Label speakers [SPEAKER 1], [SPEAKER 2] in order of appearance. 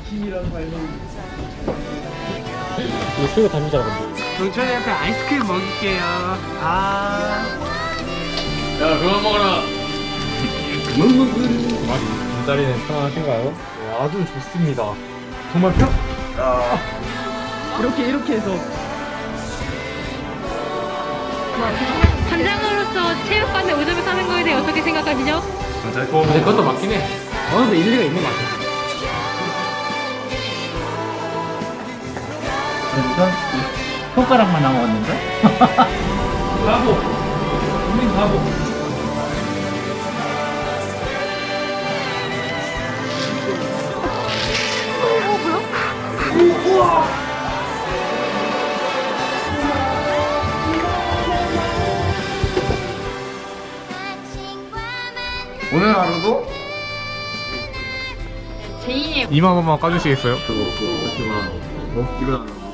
[SPEAKER 1] 이거 수요가 담이잖아 근데.
[SPEAKER 2] 동천이한테 아이스크림 먹일게요. 아.
[SPEAKER 3] 야 그만 먹어라.
[SPEAKER 1] 눈다리는 편안하신가요?
[SPEAKER 2] 네, 아주 좋습니다. 정말 이렇게 해서.
[SPEAKER 4] 관장으로서 체육관에 오점을 사는 거에 대해 어떻게 생각하시죠?
[SPEAKER 3] 근데 그것도 맞긴 해.
[SPEAKER 2] 어느 정도 일리가 있는 것 같아.
[SPEAKER 5] 손가락만 남았는데?
[SPEAKER 2] 바보. 우린 바보.
[SPEAKER 3] 오늘 하루도
[SPEAKER 4] 제2의
[SPEAKER 2] 2만 원만 까주시겠어요?
[SPEAKER 3] 그거 하지 마. 일어나라고.